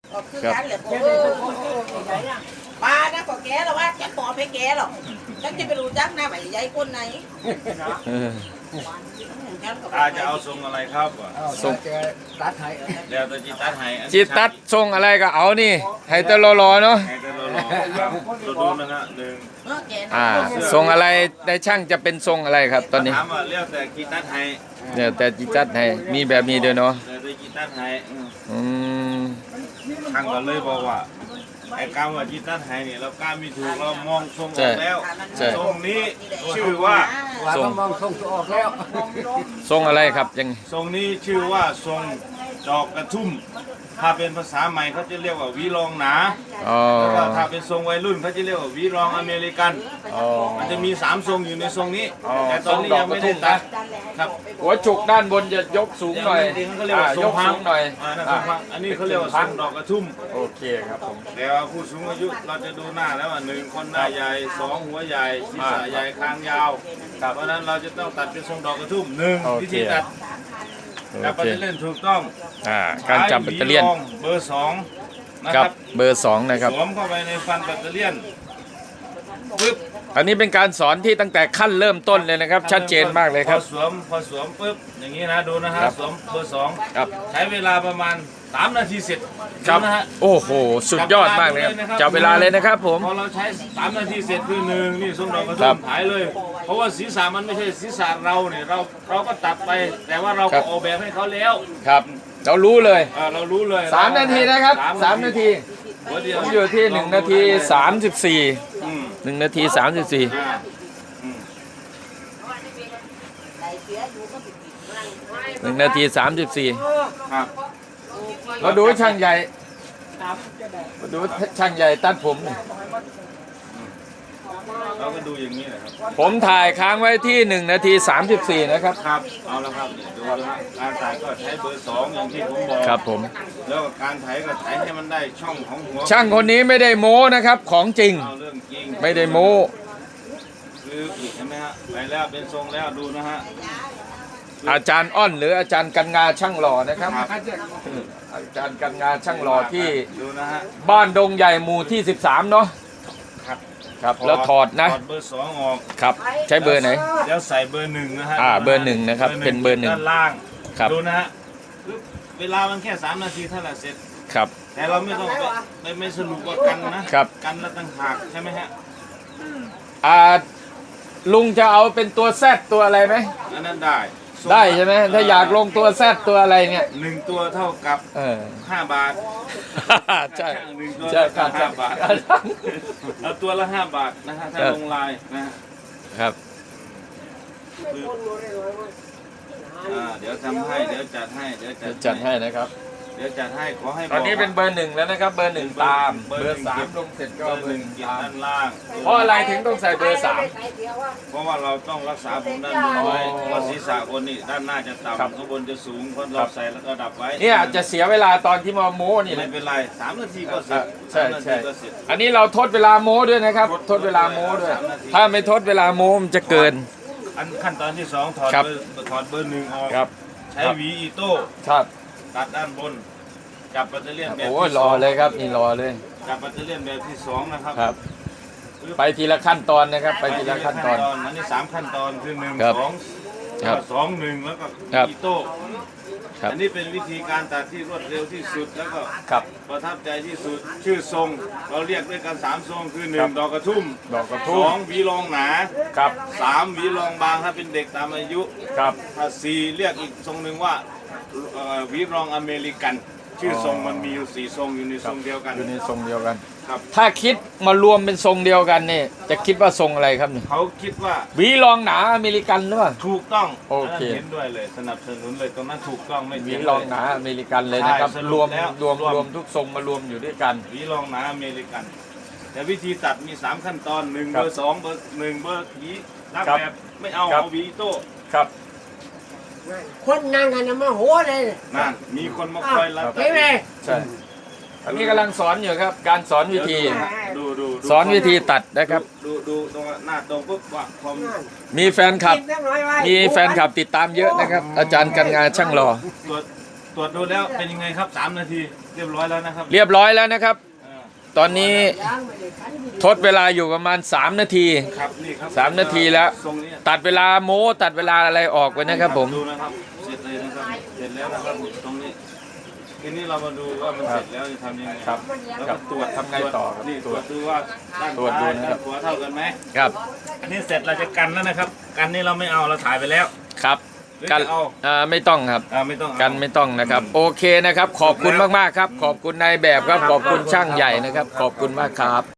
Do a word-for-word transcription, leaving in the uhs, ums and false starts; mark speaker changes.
Speaker 1: ก็คือกันแหละผมป้านะก็แกแล้วว่าแกปอบให้แกหรอกฉันจะไปรู้จักหน้าไหนยายคนไหน
Speaker 2: อาจะเอาทรงอะไรครับ
Speaker 3: ทรงตัดให้
Speaker 2: แล้วแต่จิตตัดให้
Speaker 3: จิตตัดทรงอะไรก็เอานี่ให้แต่รอๆเนาะ
Speaker 2: ให้แต่รอๆครับดูดูนะฮะหนึ่ง
Speaker 3: อ่าทรงอะไรในช่างจะเป็นทรงอะไรครับ ตอนนี้
Speaker 2: ถามว่าเรียกแต่จิตตัดให้
Speaker 3: เนี่ยแต่จิตตัดให้มีแบบนี้ด้วยเนาะ
Speaker 2: แต่แต่จิตตัดให้
Speaker 3: อืม
Speaker 2: ทางก็เลยบอกว่าไอ้การว่าจิตตัดให้เนี่ยเรากล้ามีถูกเรามองทรงออกแล้วทรงนี้ชื่อว่า
Speaker 3: ทรง
Speaker 4: มองส่งตัวออกแล้ว
Speaker 3: ทรงอะไรครับยัง
Speaker 2: ทรงนี้ชื่อว่าทรงดอกกระทุ่มถ้าเป็นภาษาใหม่เขาจะเรียกว่าวีรองหนา
Speaker 3: อ๋อ
Speaker 2: แล้วก็ถ้าเป็นทรงวัยรุ่นเขาจะเรียกว่าวีรองอเมริกัน
Speaker 3: อ๋อ
Speaker 2: มันจะมีสามทรงอยู่ในทรงนี้
Speaker 3: อ๋อ
Speaker 2: แต่ตอนนี้ยังไม่ได้ตัดครับ
Speaker 3: หัวจุกด้านบนจะยกสูงหน่อย
Speaker 2: จริงๆเขาเรียก
Speaker 3: อ่า
Speaker 2: ว่าทร
Speaker 3: ย
Speaker 2: ง
Speaker 3: ก
Speaker 2: พั
Speaker 3: สู
Speaker 2: ง
Speaker 3: งหน่อย
Speaker 2: อ่านั่นทรงพังอันนี้เขาเรียกว่าทรงดอกกระทุ่ม
Speaker 3: โอเคครับผม
Speaker 2: แต่ว่าผู้สูงอายุเราจะดูหน้าแล้วว่าหนึ่งคนหน้าใหญ่สองหัวใหญ่ศีรษะใหญ่คางยาวเพราะฉะนั้นเราจะต้องตัดเป็นทรงดอกกระทุ่มหนึ่งวิธีตัด
Speaker 3: โอ
Speaker 2: จับ
Speaker 3: เค
Speaker 2: ปัตเตอร์เลียนถูกต้อง
Speaker 3: อ่าการจับแบตเตอรี่ยน
Speaker 2: ใช้หวีรองเบอร์สองนะ
Speaker 3: ค
Speaker 2: ค
Speaker 3: รั
Speaker 2: รั
Speaker 3: บบ เบอร์สองนะครับ
Speaker 2: สวมเข้าไปในฟันแบตเตอรี่ยนปึ๊บ
Speaker 3: อันนี้เป็นการสอนที่ตั้งแต่ขั้นเริ่มต้นเลยนะครับ ชัดเจนมากเลยครับ
Speaker 2: พอสวมพอสวมปึ๊บอย่างนี้นะดูนะฮะ
Speaker 3: ครับ
Speaker 2: สวมเบอร์สอง
Speaker 3: ครับ
Speaker 2: ใช้เวลาประมาณสามนาทีเสร็จ
Speaker 3: ครับ
Speaker 2: ดูนะฮะ
Speaker 3: โอ้โหสุดยอดมากเลยครับจับเวลาเลยนะครับผม
Speaker 2: พอเราใช้สามนาทีเสร็จคือหนึ่งนี่ทรงดอกกระ
Speaker 3: ครั
Speaker 2: ทุ่
Speaker 3: บ
Speaker 2: มหายเลย เพราะว่าศีรษะมันไม่ใช่ศีรษะเราเนี่ยเราเราก็ตัดไป แต่ว่าเรา
Speaker 3: ครั
Speaker 2: ก็
Speaker 3: บ
Speaker 2: ออกแบบให้เขาแล้ว
Speaker 3: ครับ เรารู้เลย
Speaker 2: เออเรารู้เลย
Speaker 3: สามนาทีนะครับสามนาที
Speaker 2: หัวเดีย
Speaker 3: ผ
Speaker 2: ว
Speaker 3: มอยู่ที่หนึ่งนาทีสามสิบสี่
Speaker 2: อืม
Speaker 3: หนึ่งนาทีสามสิบสี่
Speaker 2: อ่าอืม
Speaker 3: หนึ่งนาทีสามสิบสี่
Speaker 2: ครับ
Speaker 3: มาดูช่างใหญ่มาดูช่างใหญ่ตัดผมหน่อย
Speaker 2: เราก็ดูอย่างนี้แหละครับ
Speaker 3: ผมถ่ายค้างไว้ที่หนึ่งนาทีสามสิบสี่นะครับ
Speaker 2: ครับเอาละครับเนี่ยดูนะฮะการถ่ายก็ใช้เบอร์สองอย่างที่ผมบอก
Speaker 3: ครับผม
Speaker 2: แล้วก็การถ่ายก็ถ่ายให้มันได้ช่องของหัว
Speaker 3: ช่างคนนี้ไม่ได้โม้นะครับ ของจริง
Speaker 2: เอาเรื่องจริง
Speaker 3: ไม่ได้โม้
Speaker 2: คืออีกใช่ไหมฮะไปแล้วเป็นทรงแล้วดูนะฮะ
Speaker 3: อาจารย์อ้อนหรืออาจารย์กันงาช่างหล่อนะครับ
Speaker 2: ครับ
Speaker 3: อาจารย์กันงาช่างหล่อที่
Speaker 2: ดูนะฮะ
Speaker 3: บ้านดงใหญ่หมู่ที่สิบสามเนาะ
Speaker 2: ครับ
Speaker 3: ครับแล้วถอดนะ
Speaker 2: ถอดเบอร์สองออก
Speaker 3: ครับใช้เบอร์ไหน
Speaker 2: แล้วใส่เบอร์หนึ่งนะฮะ
Speaker 3: อ่าเบอร์หนึ่งนะครับเป็นเบอร์หนึ่ง
Speaker 2: ด้านล่าง
Speaker 3: ครับ
Speaker 2: ดูนะฮะเวลามันแค่สามนาทีเท่านั้นเสร็จ
Speaker 3: ครับ
Speaker 2: แต่เราไม่ต้องไปไม่ไม่สรุปว่ากันนะครับ กันแล้วต่างหากใช่ไหมฮะ
Speaker 3: อ่าลุงจะเอาเป็นตัวแซดตัวอะไรไหม
Speaker 2: อันนั้นได้ส่ง
Speaker 3: ได้ใช่ไหมถ้าอยากลงตัวแซดตัวอะไรเนี่ย
Speaker 2: หนึ่งตัวเท่ากับ
Speaker 3: เออ
Speaker 2: ห้าบาท
Speaker 3: ใช่
Speaker 2: หนึ่งตัว
Speaker 3: ใช่ครั
Speaker 2: เท่า
Speaker 3: บ
Speaker 2: กับห้าบาทเอาตัวละห้าบาทนะฮะถ้า
Speaker 3: ครับ
Speaker 2: ลงลายนะฮะ
Speaker 3: ครับ
Speaker 2: คืออ่าเดี๋ยวทำให้เดี๋ยวจัดให้เดี๋ยวจัด
Speaker 3: จัดให้นะครับ
Speaker 2: เดี๋ยวจัดให้ขอให้
Speaker 3: ตอนนี้
Speaker 2: บก
Speaker 3: เป็นเบอร์หนึ่งแล้วนะครับ เบอร์หนึ่งตาม
Speaker 2: เบอร์
Speaker 3: เบอร์
Speaker 2: หนึ่ง
Speaker 3: สามลงเสร็จก็
Speaker 2: เบอร์
Speaker 3: เบ
Speaker 2: ห
Speaker 3: อ
Speaker 2: นึ่
Speaker 3: ร์
Speaker 2: ง
Speaker 3: หนึ่ง
Speaker 2: เกียร
Speaker 3: ตาม
Speaker 2: ด้านล่าง
Speaker 3: เพราะอะไรถึงต้องใส่เบอร์สาม
Speaker 2: เพราะว่าเราต้องรักษาผมด้านบนไว้เพราะศีรษะคนนี่ด้านหน้าจะ
Speaker 3: ครับ
Speaker 2: ต่ำข้างบนจะสูงเพราะเราใส่แล้วก็ดับไว้
Speaker 3: เนี่ยจะเสียเวลาตอนที่มาโม้นี่แห
Speaker 2: ไม่
Speaker 3: ละ
Speaker 2: เป็นไรสามนาทีก็เสร็จ
Speaker 3: ใช่
Speaker 2: สามนา
Speaker 3: ใช่
Speaker 2: ทีก็เสร็จ
Speaker 3: อันนี้เราทดเวลาโม้ด้วยนะครับ ทดเวลาโม้ด้วย ถ้าไม่ทดเวลาโม้มันจะเกิน
Speaker 2: อันขั้นตอนที่สองถอด
Speaker 3: ครับ
Speaker 2: เบอร์ถอดเบอร์หนึ่งออก
Speaker 3: ครับ
Speaker 2: ใช้หวีอีโต้
Speaker 3: ครับ
Speaker 2: ตัดด้านบนจับแบตเตอรี่แบบ
Speaker 3: โอ้ย
Speaker 2: ที่
Speaker 3: ร
Speaker 2: ส
Speaker 3: อ
Speaker 2: อง
Speaker 3: เลยครับนี่รอเลย
Speaker 2: จับแบตเตอรี่แบบที่สองนะครับ
Speaker 3: ครับ ไปทีละขั้นตอนนะครับ ไปทีละขั้นตอน
Speaker 2: อันนี้สามขั้นตอนคือหนึ่ง
Speaker 3: ครับ
Speaker 2: สอง
Speaker 3: ครับ
Speaker 2: สองหนึ่งแล้วก็
Speaker 3: ครับ
Speaker 2: อีโต้
Speaker 3: ครับ
Speaker 2: อันนี้เป็นวิธีการตัดที่รวดเร็วที่สุดแล้วก็
Speaker 3: ครับ
Speaker 2: ประทับใจที่สุดชื่อทรง เราเรียกด้วยกันสามทรงคือห
Speaker 3: ค
Speaker 2: นึ่
Speaker 3: รั
Speaker 2: ง
Speaker 3: บ
Speaker 2: ดอกกระทุ่ม
Speaker 3: ดอกกระ
Speaker 2: ส
Speaker 3: ทุ่
Speaker 2: อ
Speaker 3: ม
Speaker 2: งหวีรองหนา
Speaker 3: ครับ
Speaker 2: สามหวีรองบางถ้าเป็นเด็กตามอายุ
Speaker 3: ครับ
Speaker 2: ถ้าสี่เรียกอีกทรงหนึ่งว่าเอ่อหวีรองอเมริกัน ชื่อทรงมันมีอยู่สี่ทรงอยู่ในทรงเดียวกัน
Speaker 3: อยู่ในทรงเดียวกัน
Speaker 2: ครับ
Speaker 3: ถ้าคิดมารวมเป็นทรงเดียวกันนี่จะคิดว่าทรงอะไรครับนี่
Speaker 2: เขาคิดว่า
Speaker 3: หวีรองหนาอเมริกันหรือเปล่า
Speaker 2: ถูกต้อง
Speaker 3: โอเค
Speaker 2: นนั้นเห็นด้วยเลยสนับสนุนเลยตรงนั้นถูกต้องไม่
Speaker 3: หวี
Speaker 2: เถียง
Speaker 3: รอง
Speaker 2: เลย
Speaker 3: หนาอเมริกันเลยนะครับ
Speaker 2: ใช่ส
Speaker 3: ร
Speaker 2: รุ
Speaker 3: ว
Speaker 2: ป
Speaker 3: ม
Speaker 2: แล้ว
Speaker 3: รวม
Speaker 2: รวม
Speaker 3: รวมทุกทรงมารวมอยู่ด้วยกัน
Speaker 2: หวีรองหนาอเมริกัน แต่วิธีตัดมีสามขั้นตอนหนึ่ง
Speaker 3: ครั
Speaker 2: เบบ อร์สองเบอร์หนึ่งเบอร์หวีรัก
Speaker 3: ครับ
Speaker 2: แบบไม่เอา
Speaker 3: ครับ
Speaker 2: เอาหวีโต้
Speaker 3: ครับ
Speaker 4: คนนั่งกันนะมาหัวเลย
Speaker 2: นั่นมีคนมาคอยรับ
Speaker 4: เห็นไหม
Speaker 3: ใช่อันนี้กำลังสอนอยู่ครับ การสอนวิธี
Speaker 2: ดูดูดู
Speaker 3: สอนวิธีตัดนะครับ
Speaker 2: ดูดูตรงหน้าตรงปุ๊บว่าพอม
Speaker 3: มีแฟนคลับ
Speaker 4: กินสักหน่อยไว้
Speaker 3: มีแฟนคลับติดตามเยอะนะครับ อาจารย์กันงาช่างหล่อ
Speaker 2: ตัวตตรวจดูแล้วเป็นยังไงครับสามนาทีเรียบร้อยแล้วนะครับ
Speaker 3: เรียบร้อยแล้วนะครับ
Speaker 2: อ่า
Speaker 3: ตอนนี้ทดเวลาอยู่ประมาณสามนาที
Speaker 2: ครับนี่ครับ
Speaker 3: สามนาทีแล้ว
Speaker 2: ทรงนี้
Speaker 3: ตัดเวลาโม้ตัดเวลาอะไรออกไปนะครับผม
Speaker 2: ดูนะครับเสร็จเลยนะครับเสร็จแล้วนะครับตรงนี้ทีนี้เรามาดูว่ามันเสร็จแล้วจะทำยังไง
Speaker 3: ครับ
Speaker 2: แล้ว
Speaker 3: ครั
Speaker 2: ก็
Speaker 3: บ
Speaker 2: ตรวจ
Speaker 3: ทำไงต่อครับ
Speaker 2: นี่
Speaker 3: ต
Speaker 2: ต
Speaker 3: ร
Speaker 2: ร
Speaker 3: ว
Speaker 2: ว
Speaker 3: จ
Speaker 2: จดูว่าด้าน
Speaker 3: ตรวจดู
Speaker 2: ซ้าย
Speaker 3: นะครับ
Speaker 2: ด้านขวาเท่ากันไหม
Speaker 3: ครับ
Speaker 2: อันนี้เสร็จเราจะกันแล้วนะครับ กันนี่เราไม่เอาเราถ่ายไปแล้ว
Speaker 3: ครับ
Speaker 2: หรือ
Speaker 3: กัน
Speaker 2: จะเอา
Speaker 3: อ่าไม่ต้องครับ
Speaker 2: อ่าไม่ต้องเอา
Speaker 3: กันไม่ต้องนะครับ โอเคนะครับ ขอบคุณมากๆครับ ขอบคุณนายแบบครับ ขอบคุณช่างใหญ่นะครับ ขอบคุณมากครับ